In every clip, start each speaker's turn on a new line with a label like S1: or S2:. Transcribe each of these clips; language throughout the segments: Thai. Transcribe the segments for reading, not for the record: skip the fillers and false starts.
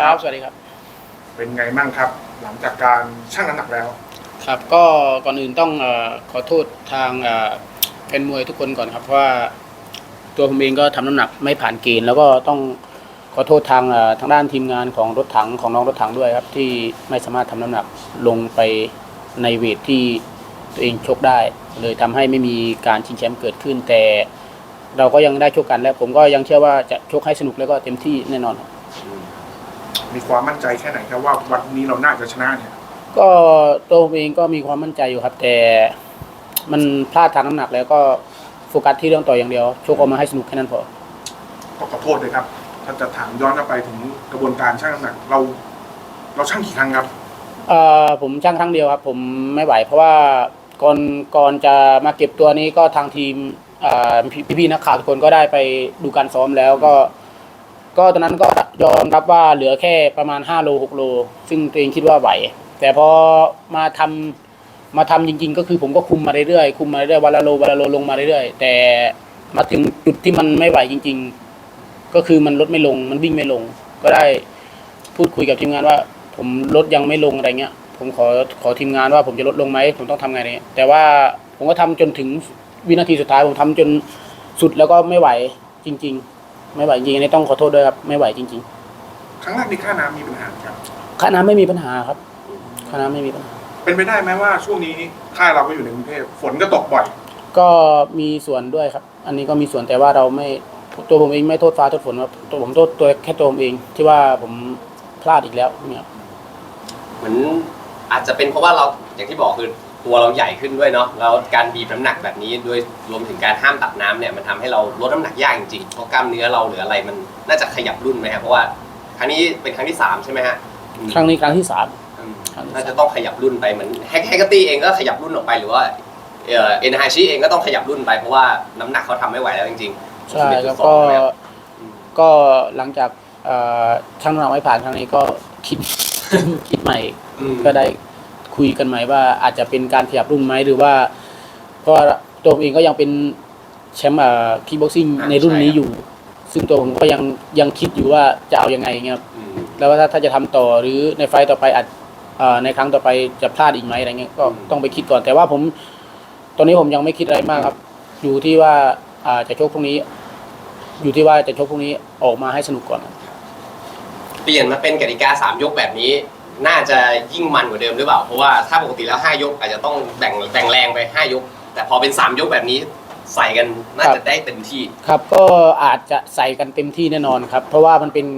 S1: ครับสวัสดีครับ
S2: เป็นไงบ้างครับหลังจากการชั่งน้ำหนักแล้ว
S1: ครับก็ก่อนอื่นต้องขอโทษทางแฟนมวยทุกคนก่อนครับเพราะว่าตัวผมเองก็ทำน้ำหนักไม่ผ่านเกณฑ์แล้วก็ต้องขอโทษทางด้านทีมงานของรถถังของน้องรถถังด้วยครับที่ไม่สามารถทำน้ำหนักลงไปในเวทที่ตัวเองชกได้เลยทำให้ไม่มีการชิงแชมป์เกิดขึ้นแต่เราก็ยังได้ชกกันและผมก็ยังเชื่อว่าจะชกให้สนุกแล้วก็เต็มที่แน่นอน
S2: มีความมั่นใจแค่ไหนครับว่าวันนี้เราน่าจะชนะเนี่ย
S1: ก็ตัวผมเองก็มีความมั่นใจอยู่ครับแต่มันพลาดทางน้ำหนักแล้วก็โฟกัสที่เรื่องต่ออย่างเดียวชกออกมาให้สนุกแค่นั้นพอ
S2: ขอโทษเลยครับถ้าจะถามย้อนกลับไปถึงกระบวนการชั่งน้ำหนักเราชั่งกี่ครั้งครับ
S1: ผมชั่งครั้งเดียวครับผมไม่ไหวเพราะว่าก่อนจะมาเก็บตัวนี้ก็ทางทีมพี่ๆนักข่าวทุกคนก็ได้ไปดูการซ้อมแล้วก็ตอนนั้นก็ยอมรับว่าเหลือแค่ประมาณ5 โล 6 โลซึ่งตัวเองคิดว่าไหวแต่พอมาทำจริงๆก็คือผมก็คุมมาเรื่อยๆวันละโลลงมาเรื่อยๆแต่มาถึงจุดที่มันไม่ไหวจริงๆก็คือมันลดไม่ลงมันวิ่งไม่ลงก็ได้พูดคุยกับทีมงานว่าผมลดยังไม่ลงอะไรเงี้ยผมขอทีมงานว่าผมจะลดลงไหมผมต้องทำไงเนี่ยแต่ว่าผมก็ทำจนถึงวินาทีสุดท้ายผมทำจนสุดแล้วก็ไม่ไหวจริงๆไม่ไหวจริงอันนี้ต้องขอโทษด้วยครับไม่ไหวจริง
S2: ๆครั้งแรกในค่าน้ำมีปัญหาครับ
S1: ค่าน้ำไม่มีปัญหาครับค่าน้ำไม่มีปัญหา
S2: เป็นไปได้ไหมว่าช่วงนี้ค่ายเราก็อยู่ในกรุงเทพฝนก็ตกบ่อย
S1: ก็มีส่วนด้วยครับอันนี้ก็มีส่วนแต่ว่าเราไม่ตัวผมเองไม่โทษฟ้าโทษฝนครับตัวผมโทษตัวแค่ตัวผมเองที่ว่าผมพลาดอีกแล้วเนี่ย
S3: เหมือนอาจจะเป็นเพราะว่าเราอย่างที่บอกคือตัวเราใหญ่ขึ้นด้วยเนาะแล้วการบีบน้ำหนักแบบนี้ด้วยรวมถึงการห้ามตัดน้ำเนี่ยมันทำให้เราลดน้ำหนักยากจริงๆเพราะกล้ามเนื้อเราหรืออะไรมันน่าจะขยับรุ่นไหมครับเพราะว่าครั้งนี้เป็นครั้งที่3ใช่ไหมฮะ
S1: ครั้งนี้ครั้งที่3
S3: น่าจะต้องขยับรุ่นไปเหมือนแฮกเกอร์ตี้เองก็ขยับรุ่นออกไปหรือว่าเอ็นไฮชีเองก็ต้องขยับรุ่นไปเพราะว่าน้ำหนักเขาทำไม่ไหวแล้วจริง
S1: ๆใช่แล้วก็หลังจากชั่งน้ำหนักไม่ผ่านครั้งนี้ก็คิดใหม่ก็ได้คุยกันใหม่ว่าอาจจะเป็นการขยับรุ่นไหมหรือว่าเพราะตัวผมเองก็ยังเป็นแชมป์คิกบ็อกซิ่งในรุ่นนี้อยู่ซึ่งตัวผมก็ยังคิดอยู่ว่าจะเอายังไงเงี้ยครับแล้วว่าถ้าจะทำต่อหรือในไฟต่อไปอาจในครั้งต่อไปจะพลาดอีกไหมอะไรเงี้ยก็ต้องไปคิดก่อนแต่ว่าตอนนี้ผมยังไม่คิดอะไรมากครับอยู่ที่ว่าจะชกพรุ่งนี้อยู่ที่ว่าจะชกพรุ่งนี้ออกมาให้สนุกก่อน
S3: เปลี่ยนมาเป็นกติกา3 ยกแบบนี้น่าจะยิ่งมันกว่าเดิมหรือเปล่าเพราะว่าถ้าปกติแล้ว5 ยกอาจจะต้องแบ่งแรงไป5 ยกแต่พอเป็น3 ยกแบบนี้ใส่กันน่าจะได้เต็มที่
S1: ครับก็อาจจะใส่กันเต็มที่แน่นอนครับเพราะว่ามันเป็น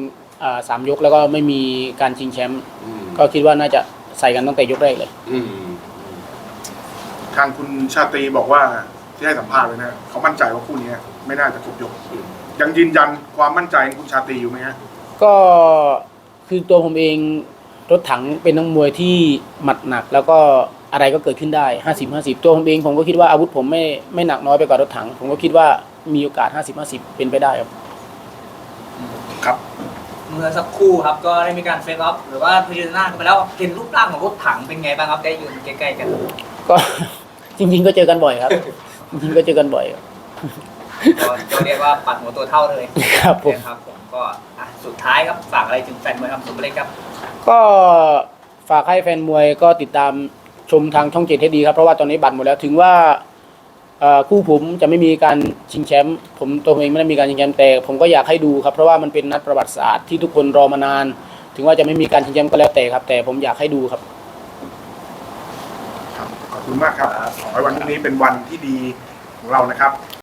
S1: 3 ยกแล้วก็ไม่มีการชิงแชมป์ก็คิดว่าน่าจะใส่กันตั้งแต่ยกแรกเลย
S2: ทางคุณชาตรีบอกว่าที่ให้สัมภาษณ์เลยนะเขามั่นใจว่าคู่นี้ไม่น่าจะครบยกยังยืนยันความมั่นใจของคุณชาตรีอยู่ไหมฮะ
S1: ก็คือตัวผมเองรถถังเป็นนักมวยที่หมัดหนักแล้วก็อะไรก็เกิดขึ้นได้50-50ตัวผมเองผมก็คิดว่าอาวุธผมไม่หนักน้อยไปกว่ารถถังผมก็คิดว่ามีโอกาส50-50เป็นไปได้ครับ
S2: ครับ
S4: เมื่อสักครู่ครับก็ได้มีการเฟซออฟหรือว่าพิจารณากันไปแล้วเห็นรูปร่างของรถถังเป็นไงบ้างครับได้ยืนใกล้ๆกัน
S1: ก็จริงๆก็เจอกันบ่อยครับจริงๆก็เจอกันบ่อย
S4: ก็เรียกว่าปัดหัวตัวเท่าเลย
S1: ครับผม
S4: ก็สุดท้ายครับฝากอะไรถึงแฟนมวยครับสุภเล็กครับ
S1: ก็ฝากให้แฟนมวยก็ติดตามชมทางช่อง7ให้ดีครับเพราะว่าตอนนี้บัตรหมดแล้วถึงว่าคู่ผมจะไม่มีการชิงแชมป์ผมตัวเองไม่ได้มีการชิงแชมป์แต่ผมก็อยากให้ดูครับเพราะว่ามันเป็นนัดประวัติศาสตร์ที่ทุกคนรอมานานถึงว่าจะไม่มีการชิงแชมป์ก็แล้วแต่ครับแต่ผมอยากให้ดูครับ
S2: ขอบคุณมากครับขอให้วันนี้เป็นวันที่ดีของเรานะครับ